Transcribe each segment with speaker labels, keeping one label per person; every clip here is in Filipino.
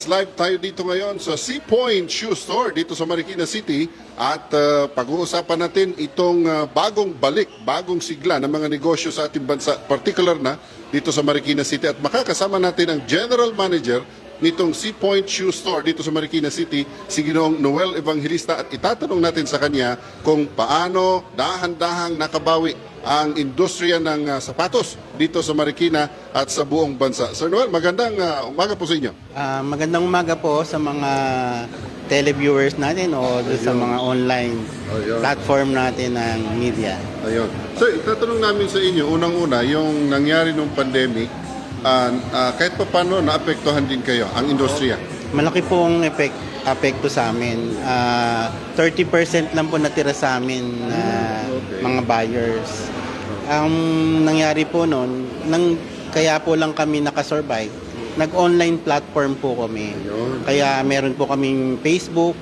Speaker 1: Live tayo dito ngayon sa Sea Point Shoe Store dito sa Marikina City at pag-uusapan natin itong bagong balik, bagong sigla ng mga negosyo sa ating bansa, particular na dito sa Marikina City, at makakasama natin ang General Manager nitong Sea Point Shoe Store dito sa Marikina City, si Ginoong Noel Evangelista, at itatanong natin sa kanya kung paano dahan-dahang nakabawi ang industriya ng sapatos dito sa Marikina at sa buong bansa. Sir Noel, magandang umaga po sa inyo.
Speaker 2: Magandang umaga po sa mga televiewers natin o sa mga online platform natin ng media.
Speaker 1: Ayun. So, itatanong namin sa inyo, unang-una, yung nangyari nung pandemic, kahit pa paano naapektuhan din kayo, ang industriya?
Speaker 2: Malaki pong apekto sa amin. 30% lang po natira sa amin mga buyers. Ang nangyari po noon, kaya po lang kami nakasurvive, nag-online platform po kami. Kaya meron po kaming Facebook,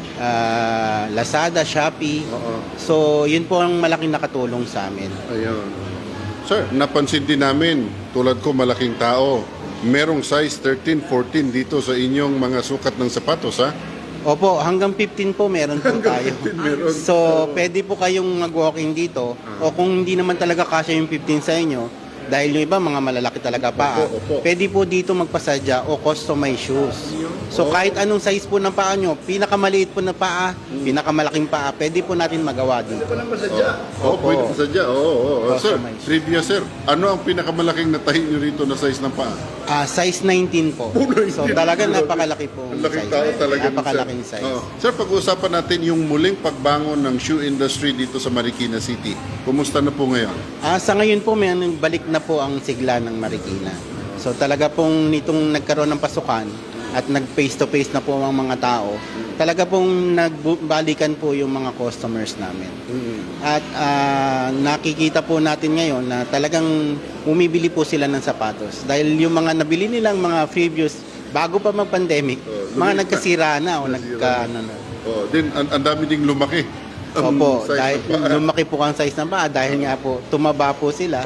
Speaker 2: Lazada, Shopee. So, yun po ang malaking nakatulong sa amin.
Speaker 1: Ayun. Sir, napansin din namin, tulad ko malaking tao, merong size 13, 14 dito sa inyong mga sukat ng sapatos, ha?
Speaker 2: Opo, hanggang 15 po meron po tayo.
Speaker 1: 15 meron.
Speaker 2: So, pwede po kayong mag-walking dito. O kung hindi naman talaga kasya yung 15 sa inyo, dahil yung iba mga malalaki talaga pa, pwede po dito magpasadya o customize shoes. So, kahit anong size po ng paa nyo, pinakamaliit po na paa, pinakamalaking paa, pwede po natin magawa dito.
Speaker 1: Pwede pasadya. Sir, trivia sir, ano ang pinakamalaking natahin nyo rito na size ng paa?
Speaker 2: Size 19 po. So, talaga napakalaki po.
Speaker 1: Ang laking tao talaga.
Speaker 2: Napakalaking size.
Speaker 1: Sir, pag-uusapan natin yung muling pagbangon ng shoe industry dito sa Marikina City. Kumusta na po ngayon?
Speaker 2: Sa ngayon po, may balik na po ang sigla ng Marikina. So talaga pong nitong nagkaroon ng pasukan at nag-face-to-face na po ang mga tao, talaga pong nagbalikan po yung mga customers namin. At nakikita po natin ngayon na talagang umibili po sila ng sapatos. Dahil yung mga nabili nilang mga previous, bago pa mag-pandemic, mga nagkasira na o
Speaker 1: Din, ang dami ding lumaki.
Speaker 2: Opo, dahil lumaki po ang size ng paa dahil nga po tumaba po sila.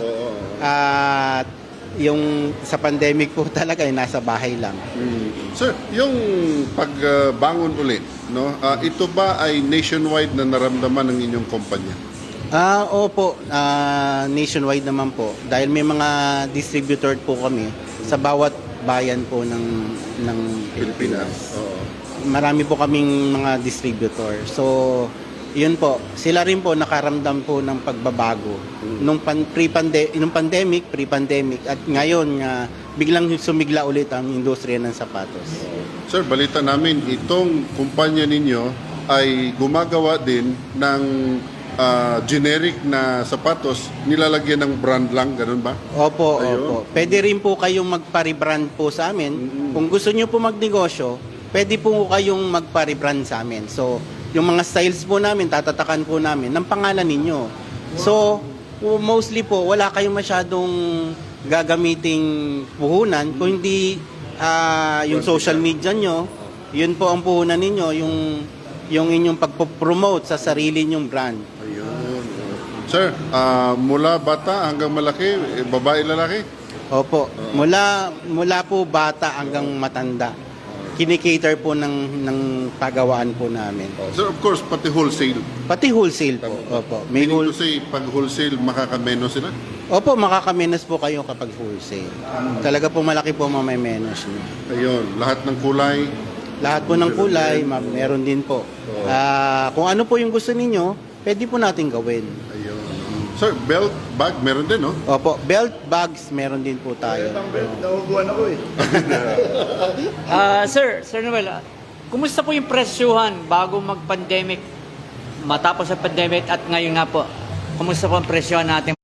Speaker 2: At yung sa pandemic po talaga ay nasa bahay lang.
Speaker 1: Sir, yung pagbangon ulit, no? Ito ba ay nationwide na naramdaman ng inyong kumpanya?
Speaker 2: Opo, nationwide naman po. Dahil may mga distributor po kami sa bawat bayan po ng Pilipinas. Marami po kaming mga distributor. So, yun po, sila rin po nakaramdam po ng pagbabago nung pandemic, pre-pandemic, at ngayon biglang sumigla ulit ang industriya ng sapatos.
Speaker 1: Sir, balita namin, itong kumpanya ninyo ay gumagawa din ng generic na sapatos, nilalagyan ng brand lang, ganun ba?
Speaker 2: Opo, opo. Pwede rin po kayong magpa-rebrand po sa amin. Kung gusto nyo po magnegosyo, pwede po kayong magpa-rebrand sa amin. So, yung mga styles po namin, tatatakan po namin ng pangalan ninyo. So, mostly po, wala kayong masyadong gagamiting puhunan. Kung hindi yung social media nyo, yun po ang puhunan ninyo, yung inyong pagpo-promote sa sarili nyong brand.
Speaker 1: Ayun. Sir, mula bata hanggang malaki, babae, lalaki?
Speaker 2: Opo, mula po bata hanggang matanda. Kinikater po ng pagawaan po namin.
Speaker 1: Sir, of course, pati wholesale.
Speaker 2: Pati wholesale po. Opo. May
Speaker 1: Meaning to say, pag wholesale, makakameno sila?
Speaker 2: Opo, makakamenos po kayo kapag wholesale. Talaga po malaki po mamay-menos nyo.
Speaker 1: Ayun, lahat ng kulay.
Speaker 2: Lahat po ng kulay, meron din po. Kung ano po yung gusto ninyo, pwede po natin gawin.
Speaker 1: Ayun. Sir, belt, bag, meron din, no?
Speaker 2: Opo, belt, bags, meron din po tayo.
Speaker 3: Nahuguan ako eh. Sir Noel, kumusta po yung presyuhan bago mag-pandemic, matapos sa pandemic at ngayon nga po? Kumusta po ang presyuhan natin?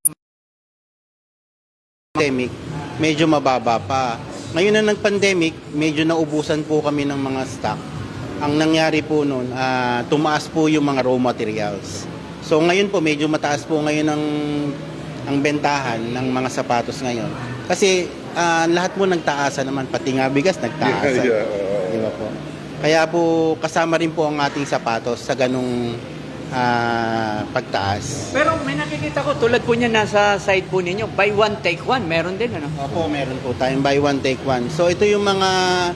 Speaker 2: Pandemic, medyo mababa pa. Ngayon na nag-pandemic, medyo naubusan po kami ng mga stock. Ang nangyari po noon, tumaas po yung mga raw materials. So ngayon po, medyo mataas po ngayon ang bentahan ng mga sapatos ngayon. Kasi lahat po nagtaasa naman, pati nga bigas nagtaasa. Di ba po? Kaya po kasama rin po ang ating sapatos sa ganung pagtaas.
Speaker 3: Pero may nakikita ko, tulad po niya nasa side po ninyo, buy one, take one. Meron din, ano?
Speaker 2: Opo, meron po tayong buy one, take one. So ito yung mga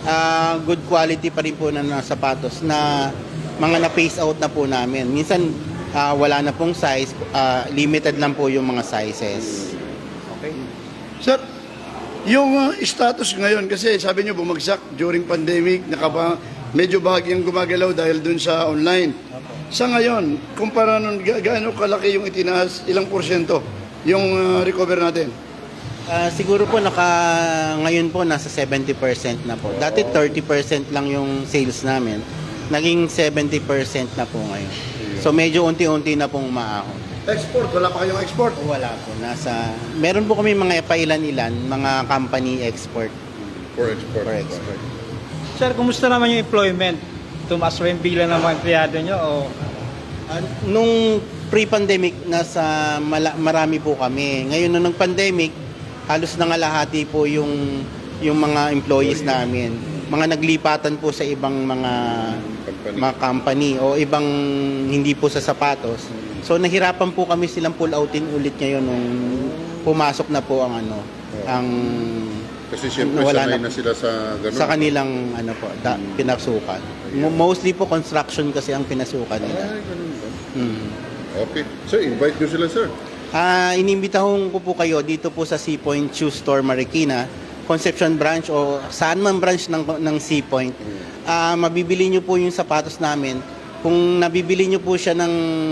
Speaker 2: good quality pa rin po na sapatos na mga na-phase out na po namin. Minsan wala na pong size, limited lang po yung mga sizes.
Speaker 4: Okay. Sir, yung status ngayon, kasi sabi nyo bumagsak during pandemic, medyo bahagyang gumagalaw dahil dun sa online. Sa ngayon, kumpara nun, gaano kalaki yung itinaas, ilang porsyento yung recover natin?
Speaker 2: Siguro po ngayon po nasa 70% na po. Dati 30% lang yung sales namin. Naging 70% na po ngayon. So medyo unti-unti na pong umaahon.
Speaker 4: Export, wala pa kayong export?
Speaker 2: Wala po. Meron po kami mga pailan-ilan, mga company export.
Speaker 1: For export.
Speaker 2: For export.
Speaker 5: Sir, kumusta naman yung employment? Tumaas ba yung bilang ng mga empleyado nyo? O...
Speaker 2: Nung pre-pandemic, marami po kami. Ngayon, nung pandemic, halos nangalahati po yung mga employees namin. Mga naglipatan po sa ibang mga company o ibang hindi po sa sapatos. So nahirapan po kami silang pull outin ulit ngayon nung pumasok na po ang
Speaker 1: Kasi siyempre
Speaker 2: wala
Speaker 1: sanay na sila sa ganun.
Speaker 2: sa kanilang pinasukan. Mostly po construction kasi ang pinasukan nila.
Speaker 1: Ay, ganun ba?
Speaker 2: Mm.
Speaker 1: Okay. Sir, invite nyo sila, sir.
Speaker 2: Inimbitahon ko po kayo dito po sa Sea Point Shoe Store Marikina, Concepcion branch o saan man branch ng Sea Point. Mabibili nyo po yung sapatos namin. Kung nabibili nyo po siya ng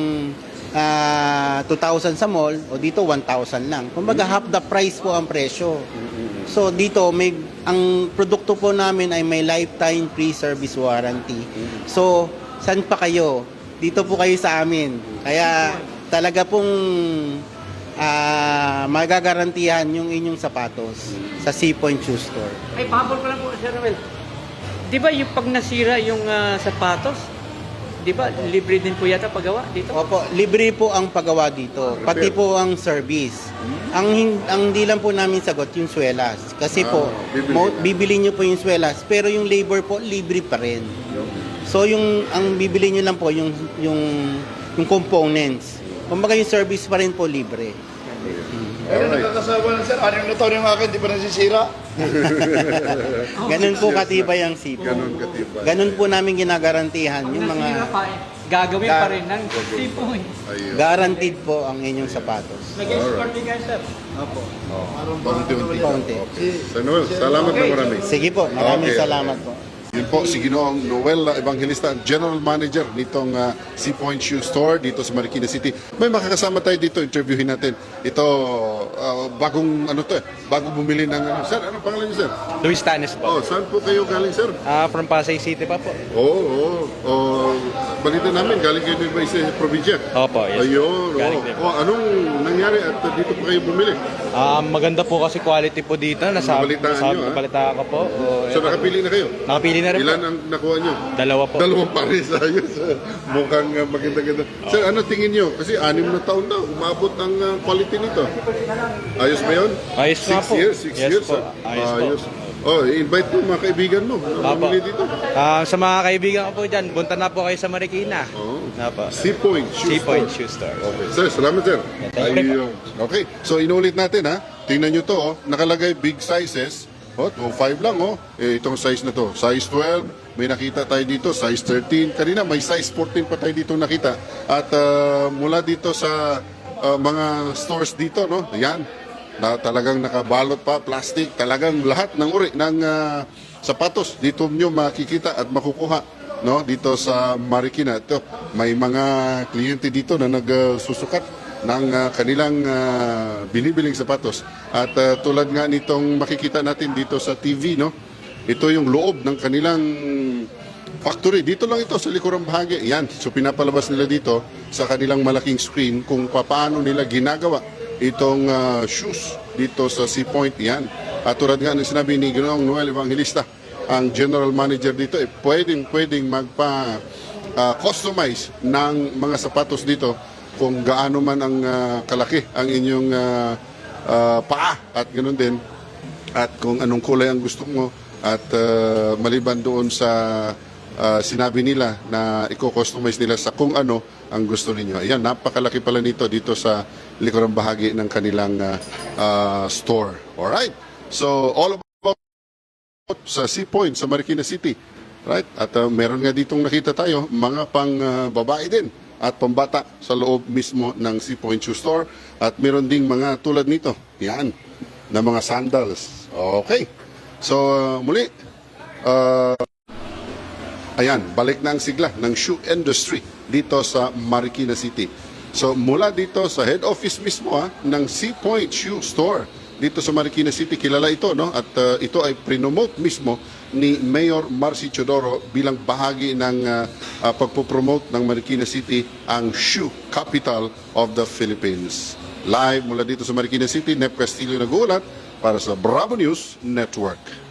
Speaker 2: 2,000 sa mall o dito 1,000 lang. Kumbaga half the price po ang presyo. So dito ang produkto po namin ay may lifetime free service warranty. So saan pa kayo? Dito po kayo sa amin. Kaya talaga pong magagarantihan yung inyong sapatos sa Sea Point Shoe Store.
Speaker 3: Ay, pahabol ko lang po, Sir Romel. Di ba yung pag nasira yung sapatos, di ba libre din po yata paggawa dito?
Speaker 2: Opo, libre po ang paggawa dito, pati po ang service. Ang di lang po namin sagot yung swelas. Kasi po, bibili nyo po yung swelas, pero yung labor po, libre pa rin. So ang bibili nyo lang po yung components. Kumbaga yung service pa rin po libre.
Speaker 4: Pero nakakasawa na sir, 6 na taon yung akin, di pa nasisira.
Speaker 2: Ganun po katibay ang sipo.
Speaker 1: Ganun katibay.
Speaker 2: Ganun po namin ginagarantihan yung
Speaker 3: Nasira
Speaker 2: mga
Speaker 3: pa eh. Gagawin pa rin ng tipo eh.
Speaker 1: Ayun.
Speaker 2: guaranteed po ang inyong sapatos.
Speaker 5: Nag-export din kayo, sir? Opo.
Speaker 1: Paunti-unti.
Speaker 2: Paunti.
Speaker 1: Sir Noel, salamat na marami.
Speaker 2: Sige po, maraming
Speaker 1: Okay.
Speaker 2: salamat po.
Speaker 1: Yun po, si Ginoong Noel Evangelista, General Manager nitong Sea Point Shoe Store dito sa Marikina City. May makakasama tayo dito, interviewin natin. Ito, bagong bumili ng sir, ano pangalan niyo, sir?
Speaker 6: Luis Tanes po.
Speaker 1: Oh, saan po kayo galing, sir?
Speaker 6: From Pasay City pa po.
Speaker 1: Oo. Balita namin, galing kayo din ba sa probinsya?
Speaker 6: Opo, yes.
Speaker 1: Ayun,
Speaker 6: Galing din po.
Speaker 1: anong nangyari at dito po kayo bumili?
Speaker 6: Maganda po kasi quality po dito.
Speaker 1: Nabalitaan nyo, ha?
Speaker 6: Nabalita ko po.
Speaker 1: So, nakapili na kayo?
Speaker 6: Nakapili na rin
Speaker 1: Ilan
Speaker 6: po.
Speaker 1: ang nakuha nyo?
Speaker 6: Dalawa po.
Speaker 1: Dalawang pares, ayos. Mukhang maganda-ganda. Sir, ano tingin nyo? Kasi 6 na taon na, umabot ang quality nito. Ayos ba yun?
Speaker 6: Ayos nga po.
Speaker 1: 6
Speaker 6: Yes
Speaker 1: years.
Speaker 6: po. Ayos po.
Speaker 1: Oh, invite mo mga kaibigan mo na
Speaker 6: Apo.
Speaker 1: bumili dito.
Speaker 6: Sa mga kaibigan ko po dyan, punta na po kayo sa Marikina.
Speaker 1: Oh.
Speaker 6: Opo.
Speaker 1: Sea Point Shoe
Speaker 6: Sea Point
Speaker 1: Store.
Speaker 6: Shoe Store.
Speaker 1: Okay. Sir, salamat, sir.
Speaker 6: thank you.
Speaker 1: Ayun. Okay, so inulit natin, ha. Tingnan nyo to, nakalagay big sizes. 2.5 lang, itong size na to. Size 12, may nakita tayo dito, size 13. Kanina may size 14 pa tayo dito nakita. At mula dito sa mga stores dito, yan, na talagang nakabalot pa, plastic, talagang lahat ng uri ng sapatos dito nyo makikita at makukuha dito sa Marikina. Ito, may mga kliyente dito na nagsusukat ng kanilang binibiling sapatos. At tulad nga nitong makikita natin dito sa TV, ito yung loob ng kanilang factory. Dito lang ito sa likurang bahagi. Yan, so pinapalabas nila dito sa kanilang malaking screen kung paano nila ginagawa itong shoes dito sa Sea Point. Yan. At tulad nga ng sinabi ni Ginoong Noel Evangelista, ang general manager dito, pwedeng customize ng mga sapatos dito kung gaano man ang kalaki ang inyong paa at ganoon din, at kung anong kulay ang gusto mo, at maliban doon sa sinabi nila na i-customize nila sa kung ano ang gusto ninyo. Ayan, napakalaki pala nito dito sa likurang bahagi ng kanilang store. Alright, so all about sa Sea Point sa Marikina City. Right? At meron nga ditong nakita tayo, mga pang babae din at pambata sa loob mismo ng Sea Point Shoe Store. At meron ding mga tulad nito. Yan. Na mga sandals. Okay. So, muli, ayan, balik na ang sigla ng shoe industry dito sa Marikina City. So, mula dito sa head office mismo ng Sea Point Shoe Store dito sa Marikina City, kilala ito, no? At ito ay prinomote mismo ni Mayor Marcy Chodoro bilang bahagi ng pagpopromote ng Marikina City ang shoe capital of the Philippines. Live mula dito sa Marikina City, Nep Castillo nag-uulat para sa Bravo News Network.